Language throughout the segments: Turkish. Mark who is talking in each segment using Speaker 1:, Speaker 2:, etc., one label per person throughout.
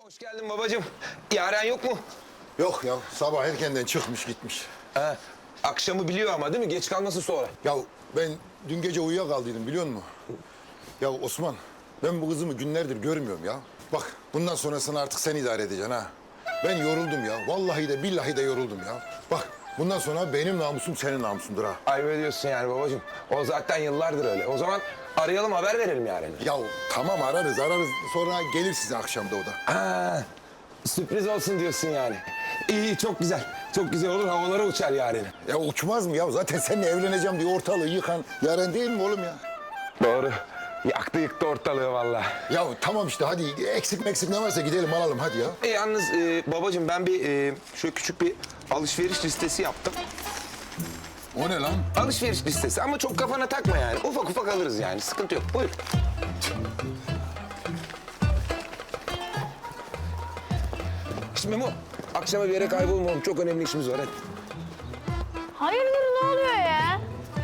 Speaker 1: Hoş geldin babacığım. Yaren yok mu?
Speaker 2: Yok ya, sabah erkenden çıkmış gitmiş.
Speaker 1: Ha, akşamı biliyor ama değil mi? Geç kalması sonra.
Speaker 2: Ya ben dün gece uyuyakaldıydım biliyor musun? Ya Osman, ben bu kızımı günlerdir görmüyorum ya. Bak bundan sonrasını artık sen idare edeceksin ha. Ben yoruldum ya, vallahi de billahi de yoruldum ya. Bak bundan sonra benim namusum senin namusundur ha.
Speaker 1: Ayıp ediyorsun yani babacığım. O zaten yıllardır öyle. O zaman arayalım, haber verelim Yaren'e.
Speaker 2: Ya tamam ararız sonra gelir size akşamda o da.
Speaker 1: Ha, sürpriz olsun diyorsun yani. İyi, çok güzel. Çok güzel olur, havalara uçar Yaren'i.
Speaker 2: Ya uçmaz mı ya? Zaten seninle evleneceğim diye ortalığı yıkan Yaren değil mi oğlum ya?
Speaker 1: Doğru. Yaktı yıktı ortalığı vallahi.
Speaker 2: Ya tamam işte hadi eksik ne varsa gidelim alalım hadi ya.
Speaker 1: Yalnız babacığım ben bir şöyle küçük bir alışveriş listesi yaptım.
Speaker 2: O ne lan?
Speaker 1: Alışveriş listesi ama çok kafana takma yani. Ufak ufak alırız yani. Sıkıntı yok. Buyur. Şimdi Memo, akşama bir yere kaybolmam. Çok önemli işimiz var. Hadi.
Speaker 3: Hayırdır ne oluyor ya?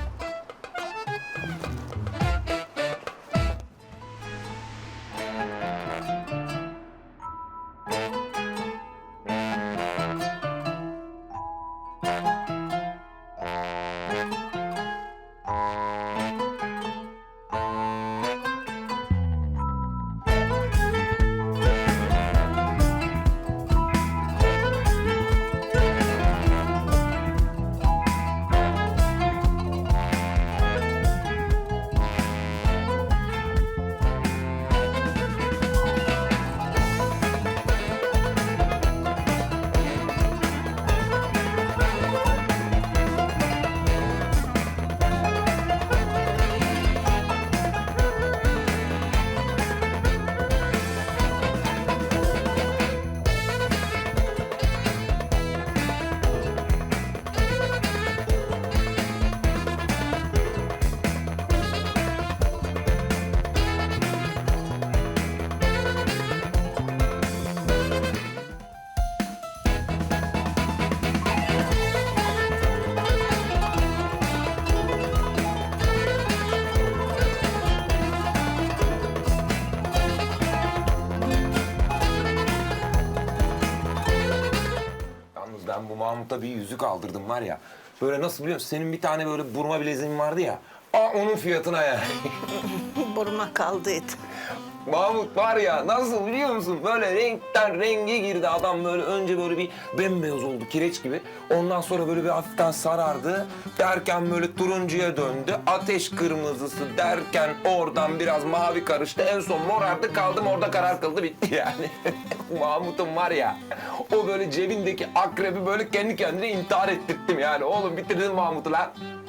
Speaker 1: Yalnız ben bu Mahmut'a bir yüzük aldırdım var ya. Böyle nasıl biliyor musun? Senin bir tane böyle burma bileziğin vardı ya. Onun fiyatına yani.
Speaker 4: Burma kaldıydı.
Speaker 1: Mahmut var ya nasıl biliyor musun? Böyle renkten renge girdi adam böyle önce böyle bir bembeyaz oldu kireç gibi. Ondan sonra böyle bir hafiften sarardı. Derken böyle turuncuya döndü. Ateş kırmızısı derken oradan biraz mavi karıştı. En son morardı kaldım orada karar kıldı bitti yani. Mahmut'un var ya o böyle cebindeki akrebi böyle kendi kendine intihar ettirttim yani. Oğlum bitirdin Mahmut'u lan.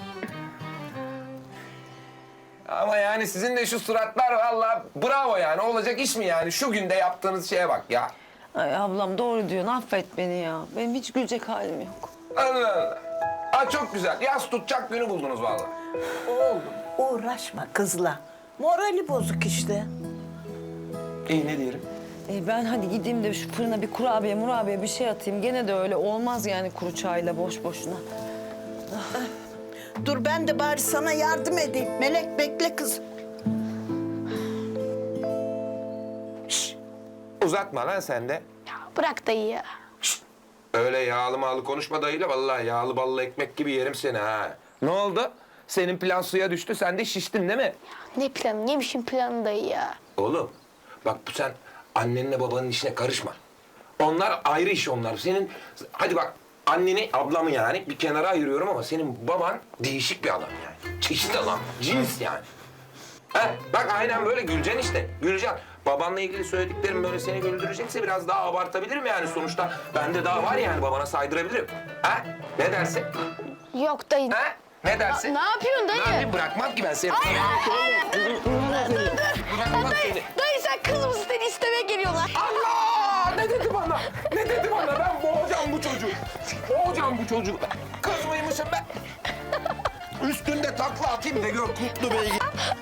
Speaker 1: Ama yani sizin de şu suratlar vallahi bravo yani. Olacak iş mi yani? Şu günde yaptığınız şeye bak ya.
Speaker 5: Ay ablam doğru diyorsun. Affet beni ya. Benim hiç gülecek halim yok.
Speaker 1: Allah Allah. Ha çok güzel. Yaz tutacak günü buldunuz vallahi.
Speaker 4: Oğlum uğraşma kızla. Morali bozuk işte.
Speaker 1: İyi ne diyelim?
Speaker 5: Ben hadi gideyim de şu fırına bir murabiye bir şey atayım. Gene de öyle olmaz yani kuru çayla boş boşuna.
Speaker 4: Dur ben de bari sana yardım edeyim. Melek bekle kız.
Speaker 1: Uzatma lan sen de.
Speaker 3: Bırak dayı ya.
Speaker 1: Öyle yağlı mağlı konuşma dayıyla vallahi yağlı ballı ekmek gibi yerim seni ha. Ne oldu? Senin plan suya düştü sen de şiştin değil mi?
Speaker 3: Ne planı? Yemişim planı dayı ya.
Speaker 1: Oğlum bak bu sen annenle babanın işine karışma. Onlar ayrı iş onlar. Senin hadi bak anneni ablamı yani bir kenara ayırıyorum ama senin baban değişik bir adam yani. Çeşit adam, cins yani. Ha, bak aynen böyle güleceksin işte. Güleceksin. Babanla ilgili söylediklerim böyle seni güldürecekse biraz daha abartabilirim yani. Sonuçta bende daha var yani babana saydırabilirim. Ha? Ne dersin?
Speaker 3: Yok dayı.
Speaker 1: Ha? Ne dersin?
Speaker 3: Ne yapıyorsun dayı?
Speaker 1: Ne yapayım? Bırakmam ki ben seni. Bırakmam seni.
Speaker 3: Dayı sen kız mısın? Seni istemeye geliyorlar.
Speaker 1: Allah! Ne dedi bana? Ne dedi bana? Ben boğacağım bu çocuğu. Boğacağım bu çocuğu. Kız mıymışım ben? Üstünde takla atayım da gör kutlu beygir.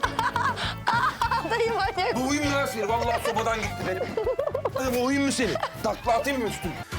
Speaker 3: Dayı manyak.
Speaker 1: Boğayım lan seni. Vallahi sobadan gitti benim. Boğayım mı seni? Takla atayım mı üstüne?